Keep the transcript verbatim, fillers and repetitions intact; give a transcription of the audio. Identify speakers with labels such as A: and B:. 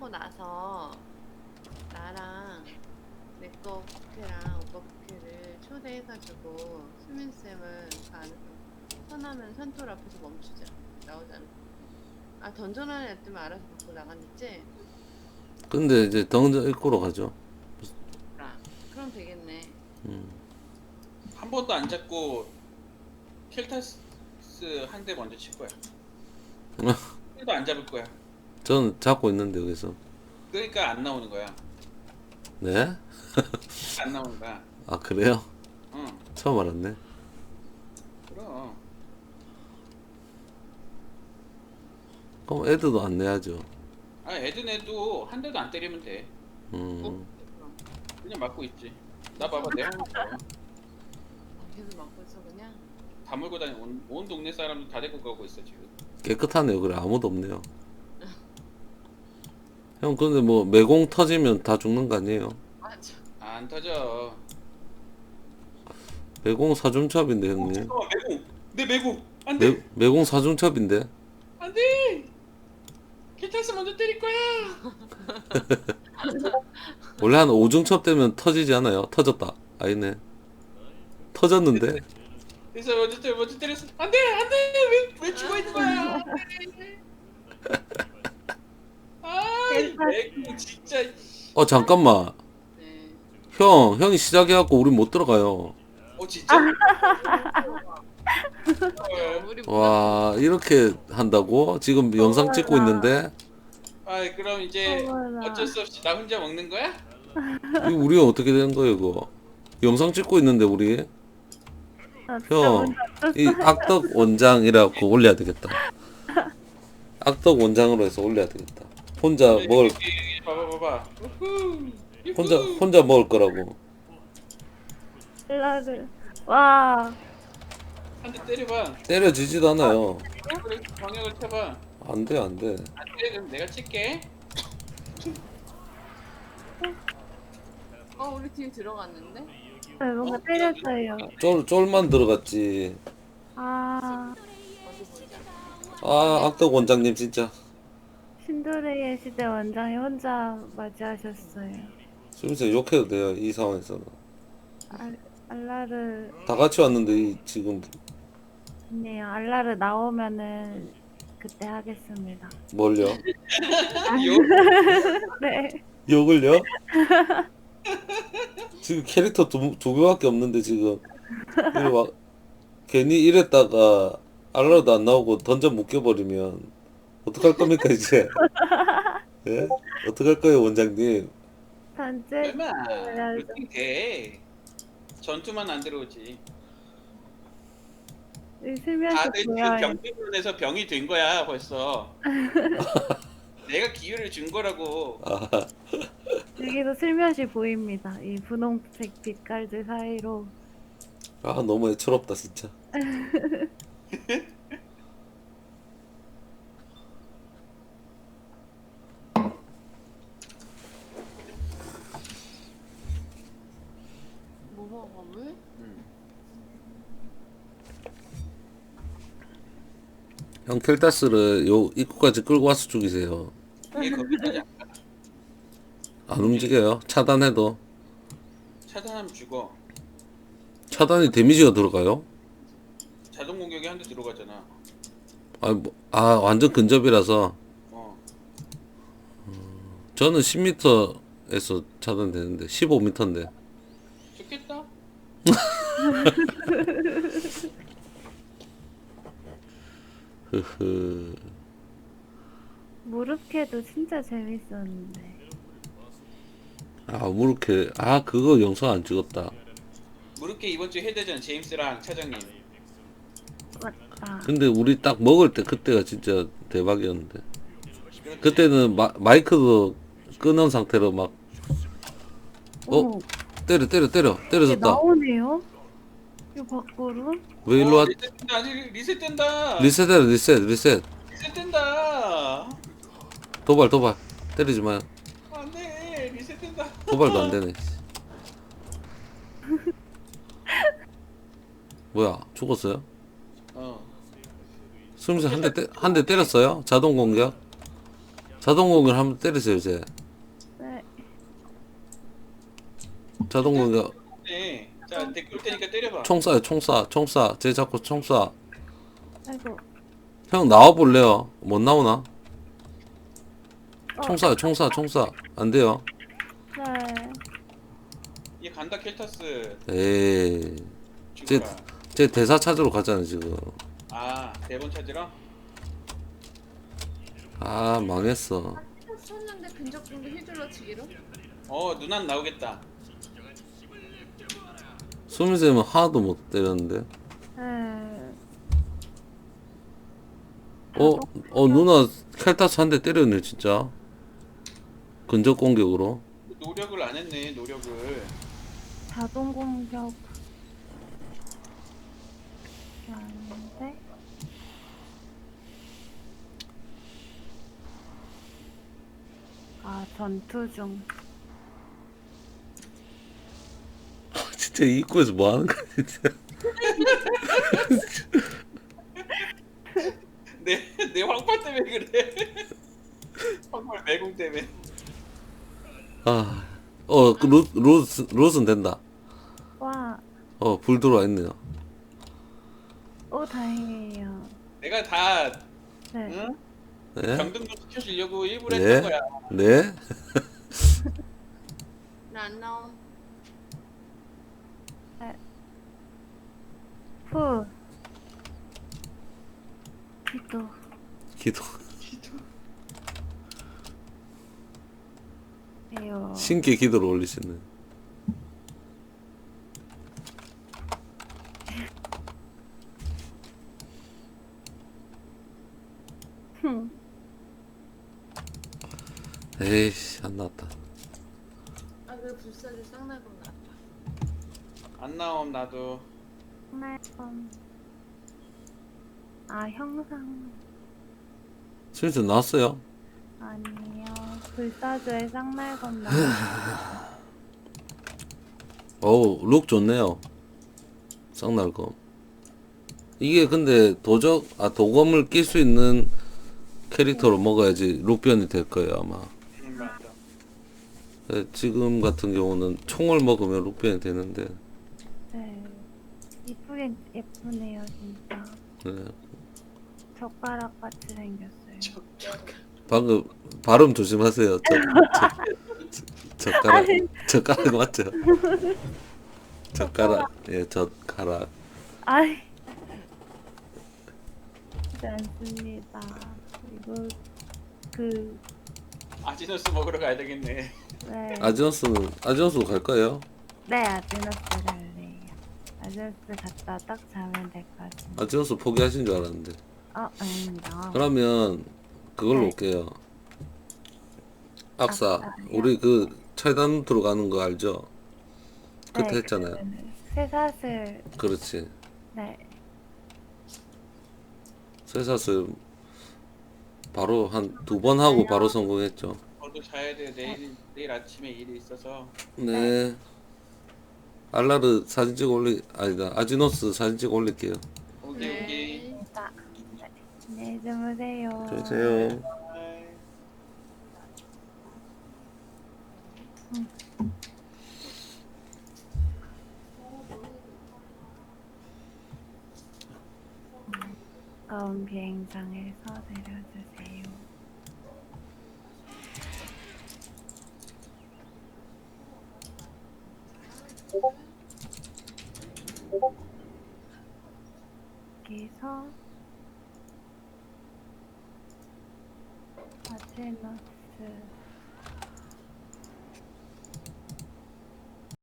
A: 하고 나서 나랑 내거 부캐랑 오빠 부캐를 초대해가지고 수민쌤은 가는 선하면 선돌 앞에서 멈추자. 나오잖아. 아 던전하는 애 때문에 알아서 밖으로 나갔겠지?
B: 근데 이제 덩전 입구로 가죠.
A: 아, 그럼 되겠네.
B: 음.
C: 한 번도 안 잡고 켈타스 한 대 먼저 칠 거야. 킬도 안 잡을 거야.
B: 저는 잡고 있는데 여기서.
C: 그러니까 안 나오는 거야.
B: 네?
C: 안 나오는 거야.
B: 아 그래요?
C: 응.
B: 처음 알았네.
C: 그럼.
B: 그럼 애들도 안 내야죠.
C: 아 애드네도 한 대도 안 때리면 돼.
B: 음.
C: 그냥 맞고 있지. 나 봐봐 내 한거
A: 아, 계속 막고 있어 그냥?
C: 다 몰고 다니 온, 온 동네 사람도 다 데리고 가고 있어 지금.
B: 깨끗하네요. 그래 아무도 없네요. 형 근데 뭐 매공 터지면 다 죽는 거 아니에요?
A: 맞아.
C: 안 터져.
B: 매공 사중첩인데
C: 어,
B: 형님.
C: 잠깐만 매공. 내 매공. 안 돼.
B: 매, 매공 사중첩인데.
C: 안 돼. 켈타스 먼저 때릴 거야.
B: 원래 한 오중첩 되면 터지지 않아요? 터졌다. 아니네. 터졌는데.
C: 그래서 먼저 때려 먼저 때렸어. 안 돼. 안 돼. 왜, 왜 죽어 있는 거야? 안 돼. 아, 이 매공 진짜.
B: 어 잠깐만.
A: 네.
B: 형 형이 시작해갖고 우리 못 들어가요.
C: 어 진짜?
A: 야,
C: 어.
A: 우리
B: 와 이렇게 한다고? 지금 영상 찍고 있는데
C: 아 그럼 이제
D: 어머나.
C: 어쩔 수 없이 나 혼자 먹는 거야?
B: 이거 우리가 어떻게 되는 거예요 이거? 영상 찍고 있는데 우리
D: 아, 진짜
B: 형
D: 뭔지
B: 이 악덕 원장이라고 올려야 되겠다. 악덕 원장으로 해서 올려야 되겠다. 혼자 먹을
C: 여기, 여기, 봐봐 봐봐. 우후.
B: 혼자 혼자 먹을 거라고.
D: 알라를. 와.
C: 한 대 때려봐.
B: 때려지지도 않아요.
C: 그래, 방역을 쳐봐.
B: 안돼 안돼.
C: 안 돼, 그럼 내가 칠게.
A: 어 우리 팀 들어갔는데?
D: 네, 뭔가 때렸어요.
B: 쫄 쫄만 들어갔지.
D: 아.
A: 어디 보자.
B: 아 악덕 원장님 진짜.
D: 신도레의 시대 원장이 혼자 맞이하셨어요.
B: 수민씨 욕해도 돼요 이 상황에서는.
D: 알, 알라르.
B: 다 같이 왔는데 이 지금
D: 네요. 알라르 나오면은 그때 하겠습니다.
B: 뭘요?
C: 요?
D: 네.
B: 욕을요? 지금 캐릭터 두, 두 개밖에 없는데 지금 이거 막 괜히 이랬다가 알라도 안 나오고 던져 묶여버리면 어떡할 겁니까 이제? 예? 어떡할 거예요 원장님?
D: 단체
C: 얼마?
D: 해야죠.
C: 그렇게 돼. 전투만 안 들어오지.
D: 슬며시
C: 다들 그
D: 보여요.
C: 병기론에서 병이 된 거야 벌써. 내가 기회를 준 거라고.
B: 아,
D: 여기서 슬며시 보입니다. 이 분홍색 빛깔들 사이로.
B: 아 너무 애처롭다 진짜.
A: 뭐 먹어 물?
C: 음.
B: 형 켈타스를 요 입구까지 끌고 와서 죽이세요.
C: 이게 거기까지 안 가.
B: 안 움직여요. 차단해도
C: 차단하면 죽어.
B: 차단이 데미지가 들어가요?
C: 자동 공격이 한 대 들어가잖아.
B: 아, 뭐, 아 완전 근접이라서
C: 어.
B: 저는 십 미터에서 차단되는데 십오 미터인데.
C: 좋겠다.
B: 흐흐.
D: 무릎캐도 진짜 재밌었는데.
B: 아 무르케 아 그거 영상 안 찍었다.
C: 무릎게 이번 주 해대전 제임스랑 차장님.
D: 맞다.
B: 근데 우리 딱 먹을 때 그때가 진짜 대박이었는데 그때는 마, 마이크도 끊은 상태로 막 어?
D: 어머,
B: 때려 때려 때려
D: 이게
B: 때려졌다.
D: 나오네요? 이거 밖으로?
B: 왜 일로 와?
C: 어, 리셋된다. 아니 리셋된다.
B: 리셋해 리셋 리셋.
C: 리셋된다.
B: 도발 도발 때리지 마요.
C: 안돼 리셋된다.
B: 도발도 안 되네. 뭐야 죽었어요?
C: 어.
B: 수미씨 한대 한 대 때렸어요? 자동 공격? 자동 공격 한번 때리세요 이제.
D: 네.
B: 자동 공격
C: 네. 자, 댓글 테니까 때려봐.
B: 총 쏴요 총 쏴. 총 쏴. 쟤 자꾸 총 쏴.
D: 아이고.
B: 형 나와 볼래요? 못 나오나?
D: 어,
B: 총 쏴요 총 쏴. 총 쏴. 안 돼요.
D: 네.
C: 얘 간다 켈타스.
B: 에이. 쟤,
C: 죽어라.
B: 쟤 대사 찾으러 가잖아 지금.
C: 아, 대본 찾으러?
B: 아 망했어.
A: 썼는데 근접 공격 휘둘러 치기로?
C: 어, 누난 나오겠다.
B: 수미쌤은 하나도 못 때렸는데.
D: 네.
B: 어? 어 누나 켈타스 한 대 때렸네 진짜. 근접 공격으로.
C: 노력을 안 했네, 노력을.
D: 자동 공격. 아닌데? 아, 전투 중.
B: 진짜 이 입구에서 뭐 하는 거야 진짜.
C: 내, 내 황파 때문에 그래. 황파 매공 때문에.
B: 아. 어, 그 루, 루스, 루스는 된다.
D: 와,
B: 어, 불 들어와 있네요.
D: 오, 다행이에요.
C: 내가 다,
D: 네.
C: 응?
B: 네?
C: 경등도 시켜주려고 일부러
B: 네?
C: 했던 거야.
B: 네?
A: 나 안 나옴.
D: 후. 기도.
B: 기도.
D: 에요.
B: 신께 기도를 올리시네.
D: 흠.
B: 에이씨, 안 나왔다.
A: 아 그래 불사조 쌍날곤 나왔다.
C: 안 나옴, 나도.
D: 음. 아, 형상.
B: 슬슬 나왔어요?
D: 아니요. 불사조의 쌍날건 나.
B: 어우, 룩 좋네요. 쌍날검. 이게 근데 도적, 아, 도검을 낄 수 있는 캐릭터로 먹어야지 룩변이 될 거예요, 아마.
C: 응, 맞아.
B: 네, 지금 같은 경우는 총을 먹으면 룩변이 되는데.
D: 네. 이쁘긴 예쁘네요, 진짜.
B: 네.
D: 젓가락 같이 생겼어요.
B: 방금 발음 조심하세요. 저, 저, 젓가락,
D: 아니.
B: 젓가락 맞죠? 젓가락, 예, 젓가락.
D: 아이. 그렇지 않습니다. 이거, 그,
C: 아지노스 먹으러 가야 되겠네.
D: 네.
B: 아지언스는, 아지언스도 갈 거예요?
D: 네, 아즈너스 갈래요. 아즈너스 갔다 딱 자면 될 것 같은데.
B: 아지언스 포기하신 줄 알았는데.
D: 어, 아닙니다.
B: 그러면 그걸로
D: 네.
B: 올게요. 악사.
D: 악사요?
B: 우리 그 차이단 들어가는 거 알죠? 그때
D: 네,
B: 했잖아요.
D: 그 쇠사슬,
B: 그렇지.
D: 네.
B: 쇠사슬 바로 한 두 번 하고 바로 성공했죠.
C: 저도 자야 돼. 내일, 내일 아침에 일이 있어서.
B: 네. 알라르 사진 찍어 올리, 아니다. 아지노스 사진 찍어 올릴게요.
C: 오케이, 오케이.
D: 자, 네. 안녕히 주무세요.
B: 안녕하세요.
C: 바이.
D: 가까운 비행장에서 내려주세요. 여기서 아제너스